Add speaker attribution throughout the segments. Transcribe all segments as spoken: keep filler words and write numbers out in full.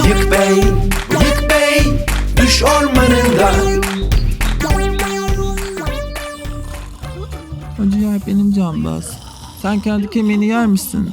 Speaker 1: Bıyık Bey, Bıyık Bey, düş ormanında.
Speaker 2: O ciğer benim Canbaz. Sen kendi kemiğini yer misin?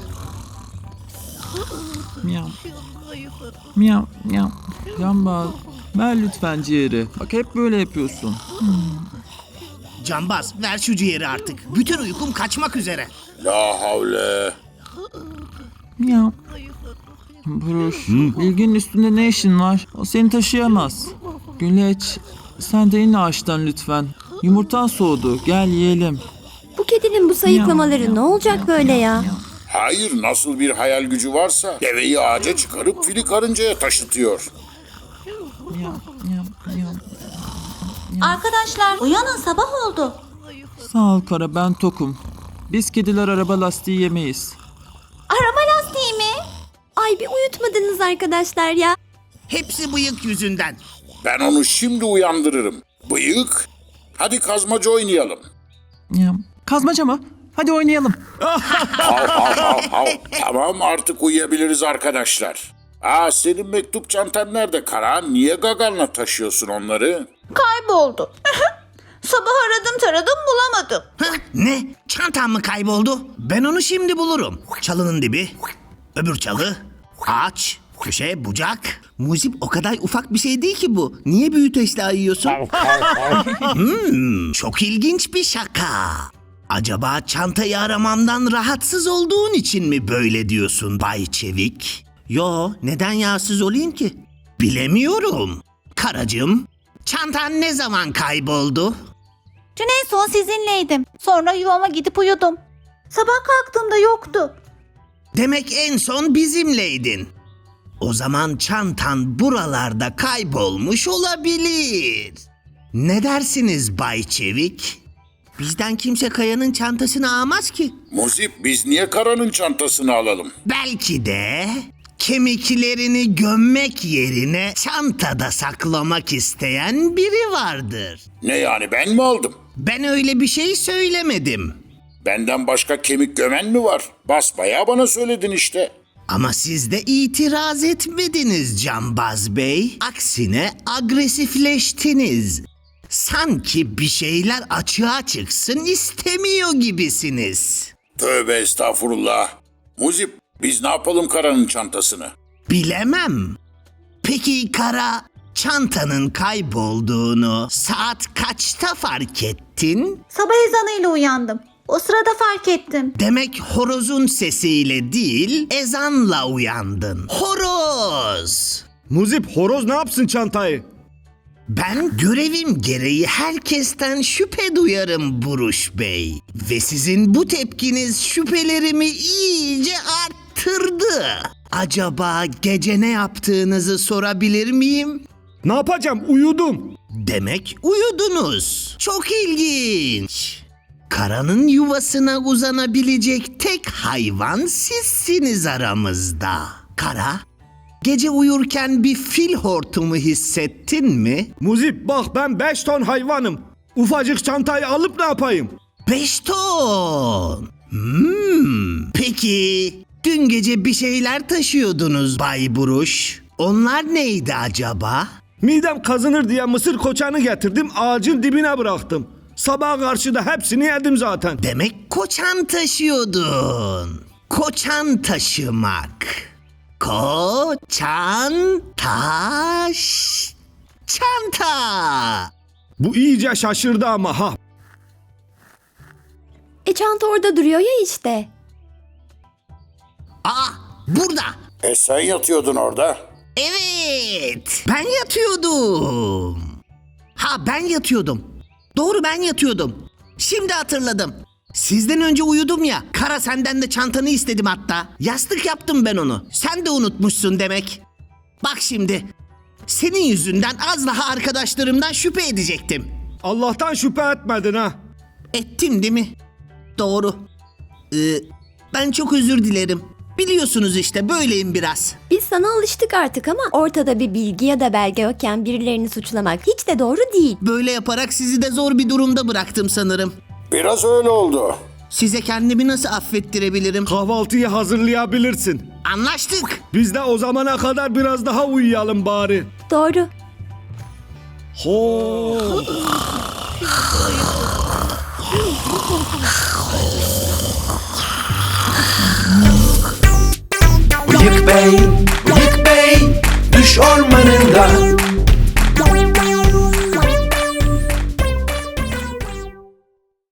Speaker 2: Miyav. Miyav, miyav. Canbaz, ver lütfen ciğeri. Bak hep böyle yapıyorsun.
Speaker 3: Canbaz, ver şu ciğeri artık. Bütün uykum kaçmak üzere.
Speaker 4: La havle.
Speaker 2: Miyav. Buruş, bilginin üstünde ne işin var? O seni taşıyamaz. Güleç, sen de in ağaçtan lütfen. Yumurtan soğudu, gel yiyelim.
Speaker 5: Bu kedinin bu sayıklamaları ne olacak böyle ya?
Speaker 4: Hayır, nasıl bir hayal gücü varsa deveyi ağaca çıkarıp fili karıncaya taşıtıyor.
Speaker 2: Miyav, miyav, miyav.
Speaker 6: Arkadaşlar uyanın, sabah oldu.
Speaker 2: Sağ ol Kara, ben tokum. Biz kediler araba lastiği yemeyiz.
Speaker 6: Araba lastiği mi?
Speaker 5: Ay bir uyutmadınız arkadaşlar ya.
Speaker 3: Hepsi bıyık yüzünden.
Speaker 4: Ben onu şimdi uyandırırım. Bıyık, hadi kazmaca oynayalım.
Speaker 2: Ya, kazmaca mı? Hadi oynayalım.
Speaker 4: Hav hav hav hav. Tamam, artık uyuyabiliriz arkadaşlar. Aa, senin mektup çantan nerede Kara? Niye gaganla taşıyorsun onları?
Speaker 6: Kayboldu. Sabah aradım taradım bulamadım.
Speaker 3: Hah, ne? Çantam mı kayboldu? Ben onu şimdi bulurum. Çalının dibi, öbür çalı, ağaç, köşe, bucak. Muzip, o kadar ufak bir şey değil ki bu. Niye büyüteçle ayıyorsun? hmm, çok ilginç bir şaka. Acaba çantayı aramamdan rahatsız olduğun için mi böyle diyorsun Bay Çevik? Yo, neden yağsız olayım ki? Bilemiyorum. Karacığım, çantan ne zaman kayboldu?
Speaker 6: Dün en son sizinleydim. Sonra yuvama gidip uyudum. Sabah kalktığımda yoktu.
Speaker 3: Demek en son bizimleydin. O zaman çantan buralarda kaybolmuş olabilir. Ne dersiniz Bay Çevik? Bizden kimse Kaya'nın çantasını almaz ki.
Speaker 4: Muzip, biz niye Kara'nın çantasını alalım?
Speaker 3: Belki de kemiklerini gömmek yerine çantada saklamak isteyen biri vardır.
Speaker 4: Ne yani, ben mi aldım?
Speaker 3: Ben öyle bir şey söylemedim.
Speaker 4: Benden başka kemik gömen mi var? Basbayağı bana söyledin işte.
Speaker 3: Ama siz de itiraz etmediniz Canbaz Bey. Aksine agresifleştiniz. Sanki bir şeyler açığa çıksın istemiyor gibisiniz.
Speaker 4: Tövbe estağfurullah. Muzip, biz ne yapalım Kara'nın çantasını?
Speaker 3: Bilemem. Peki Kara, çantanın kaybolduğunu saat kaçta fark ettin?
Speaker 6: Sabah ezanıyla uyandım. O sırada fark ettim.
Speaker 3: Demek horozun sesiyle değil, ezanla uyandın. Horoz!
Speaker 7: Muzip, horoz ne yapsın çantayı?
Speaker 3: Ben görevim gereği herkesten şüphe duyarım Buruş Bey. Ve sizin bu tepkiniz şüphelerimi iyice arttırdı. Acaba gece ne yaptığınızı sorabilir miyim?
Speaker 7: Ne yapacağım? Uyudum.
Speaker 3: Demek uyudunuz. Çok ilginç. Karanın yuvasına uzanabilecek tek hayvan sizsiniz aramızda. Kara, gece uyurken bir fil hortumu hissettin mi?
Speaker 7: Muzip, bak ben beş ton hayvanım. Ufacık çantayı alıp ne yapayım?
Speaker 3: Beş ton. Hmm. Peki, dün gece bir şeyler taşıyordunuz Bay Buruş. Onlar neydi acaba?
Speaker 7: Midem kazınır diye mısır koçanı getirdim, ağacın dibine bıraktım. Sabaha karşı da hepsini yedim zaten.
Speaker 3: Demek koçan taşıyordun. Koçan taşımak. Koçan taş çanta.
Speaker 7: Bu iyice şaşırdı ama ha.
Speaker 5: E çanta orada duruyor ya işte.
Speaker 3: Aa, burada.
Speaker 4: E sen yatıyordun orada.
Speaker 3: Evet, ben yatıyordum. Ha, ben yatıyordum. Doğru, ben yatıyordum. Şimdi hatırladım. Sizden önce uyudum ya. Kara, senden de çantanı istedim hatta. Yastık yaptım ben onu. Sen de unutmuşsun demek. Bak şimdi. Senin yüzünden az daha arkadaşlarımdan şüphe edecektim.
Speaker 7: Allah'tan şüphe etmedin ha.
Speaker 3: Ettim değil mi? Doğru. Ee, ben çok özür dilerim. Biliyorsunuz işte böyleyim biraz.
Speaker 5: Biz sana alıştık artık ama ortada bir bilgi ya da belge yokken birilerini suçlamak hiç de doğru değil.
Speaker 3: Böyle yaparak sizi de zor bir durumda bıraktım sanırım.
Speaker 4: Biraz öyle oldu.
Speaker 3: Size kendimi nasıl affettirebilirim?
Speaker 7: Kahvaltıyı hazırlayabilirsin.
Speaker 3: Anlaştık.
Speaker 7: Biz de o zamana kadar biraz daha uyuyalım bari.
Speaker 5: Doğru.
Speaker 7: Ho.
Speaker 1: Bıyık Bey